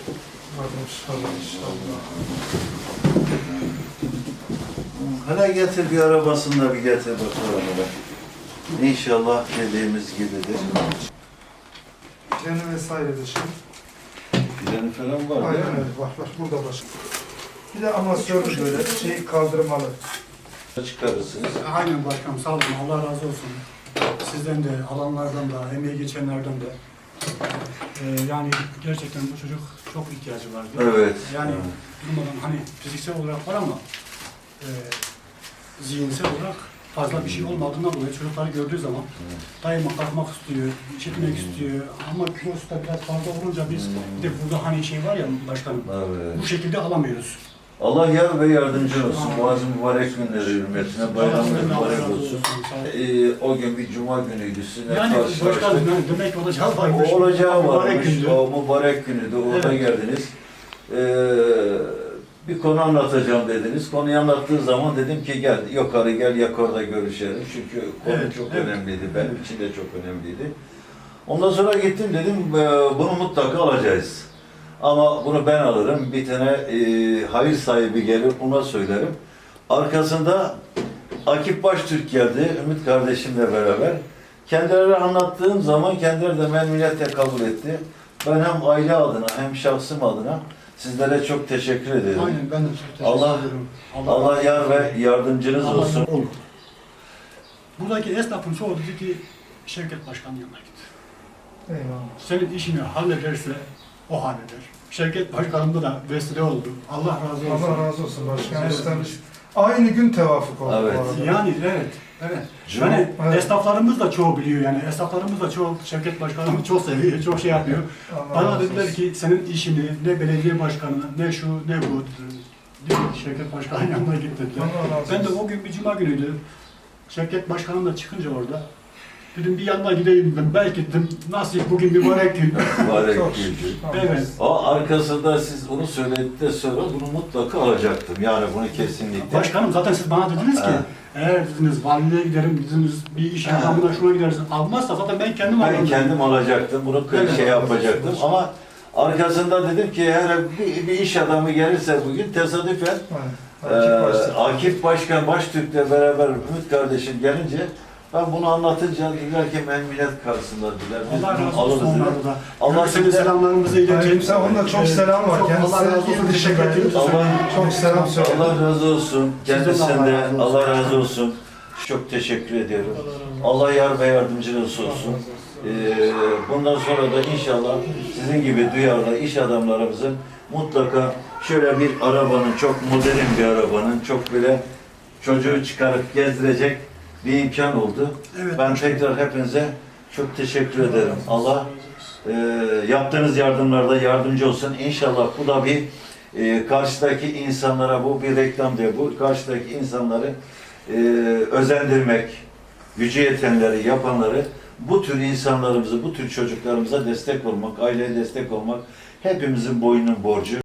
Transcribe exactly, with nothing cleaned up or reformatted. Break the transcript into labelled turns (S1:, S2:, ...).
S1: İnşallah, inşallah.
S2: Hele getir bir arabasını da bir getir bakalım hele. İnşallah dediğimiz gibidir.
S1: Planı vesaire de şey.
S2: Planı falan var
S1: Aynen
S2: değil mi?
S1: öyle, var var, burada var. Bir de amasörlü böyle şey kaldırmalı.
S2: Çıkarırsınız.
S3: Aynen başkanım, sağ olun, Allah razı olsun. Sizden de, alanlardan da, emeği geçenlerden de. Ee, yani gerçekten bu çocuk çok ihtiyacı vardı.
S2: Evet.
S3: Yani
S2: Evet.
S3: durmadan hani fiziksel olarak var ama e, zihinsel olarak fazla bir şey olmadığından dolayı çocukları gördüğü zaman daima kalkmak istiyor, işitmek istiyor. Ama kilosu da biraz fazla olunca biz bir de burada hani şey var ya başkanım,
S2: Evet.
S3: bu şekilde alamıyoruz.
S2: Allah yar ve yardımcı olsun. Boğazın mübarek günleri hürmetine bayramınız mübarek olsun. Ee, o gün bir cuma günüydü. Sizinle
S3: Yani
S2: karşılaştık.
S3: başkanım yani demek ki olacağı varmış.
S2: O olacağı varmış.
S3: gündü.
S2: O mübarek günüydü. Orada
S3: Evet.
S2: geldiniz. Ee, bir konu anlatacağım dediniz. Konuyu anlattığı zaman dedim ki gel yukarı gel yukarıda görüşelim. Çünkü konu
S3: Evet,
S2: çok
S3: evet.
S2: önemliydi. Benim için de çok önemliydi. Ondan sonra gittim dedim e, bunu mutlaka alacağız. Ama bunu ben alırım. Bir tane e, hayır sahibi gelir ona söylerim. Arkasında Akif Baştürk geldi. Ümit kardeşimle beraber. Kendileri anlattığım zaman kendileri de memnuniyetle kabul etti. Ben hem aile adına hem şahsım adına sizlere çok teşekkür ederim.
S3: Aynen ben de çok teşekkür
S2: Allah-
S3: ederim.
S2: Allah yar ve yardımcınız
S3: Allah
S2: olsun.
S3: olur. Buradaki esnafın çoğu dedi ki Şevket Başkan'ın yanına git.
S1: Eyvallah.
S3: Senin işini hallederse o halleder. Şevket Başkan'ımda da vesile oldu. Allah razı olsun.
S1: Allah razı olsun başkanım.
S3: Evet.
S1: İşte aynı gün tevafuk oldu
S2: Evet.
S1: bu arada.
S3: Yani evet, evet.
S2: Cuma-
S3: Yani
S1: Evet.
S3: esnaflarımız da çoğu biliyor yani. Esnaflarımız da çoğu Şevket Başkan'ımı çok seviyor, çok şey yapıyor.
S1: Allah
S3: Bana
S1: razı
S3: dediler
S1: olsun.
S3: ki senin işini ne belediye başkanı, ne şu, ne bu. Diyor ki Şevket Başkan'ın yanına git dediler.
S1: Allah razı
S3: Ben de
S1: olsun.
S3: o gün bir cuma günüydü. Şevket Başkan'ım da çıkınca orada. Dedim bir yanına gideyim dedim. Belki dedim nasip bugün mübarek gün.
S2: Mübarek
S1: Çok
S2: gün.
S1: şükür.
S3: Evet.
S2: O arkasında siz onu söyledikten sonra bunu mutlaka alacaktım. Yani bunu kesinlikle.
S3: Başkanım zaten siz bana dediniz ki
S2: Ha.
S3: eğer dediniz valiliğe giderim dediniz bir iş
S2: Ha.
S3: adamına şuna gideriz. Almazsa zaten ben kendim
S2: Ben
S3: alırım.
S2: kendim alacaktım. Bunu
S3: Evet.
S2: şey yapacaktım ama arkasında dedim ki her bir, bir iş adamı gelirse bugün tesadüfen
S1: Evet.
S2: Ee,
S1: Akif Baştürk.
S2: Akif Başkan Baştürk'le beraber Ümit kardeşim gelince ben bunu anlatınca dediler ki memnuniyet karşısında dediler. Biz
S3: Allah
S2: bunu
S3: razı olsun
S2: alırız dediler.
S3: onlara da.
S2: Allah
S3: Allah senin
S2: size-
S3: selamlarımızı iletelim.
S1: Aleykümselam. Onda çok selam var.
S3: Çok
S1: Kendisine
S3: Allah razı olsun.
S1: il
S3: Teşekkür
S1: dışında-
S3: ederim.
S2: Allah-
S1: Çok selam söyle.
S2: Allah razı olsun.
S3: Sizden de
S2: Kendisinden
S3: Allah
S2: de
S3: razı olsun.
S2: Allah razı olsun. Çok teşekkür ediyorum. Allah yar ve yardımcınız olsun. Ee, bundan sonra da inşallah sizin gibi duyarlı iş adamlarımızın mutlaka şöyle bir arabanın, çok modern bir arabanın, çok böyle çocuğu çıkarıp gezdirecek bir imkan oldu.
S3: Evet.
S2: Ben tekrar hepinize çok teşekkür ederim. Allah e, yaptığınız yardımlarda yardımcı olsun. İnşallah bu da bir e, karşıdaki insanlara, bu bir reklam değil, bu karşıdaki insanları e, özendirmek, gücü yetenleri, yapanları, bu tür insanlarımızı, bu tür çocuklarımıza destek olmak, aileye destek olmak hepimizin boynunun borcu.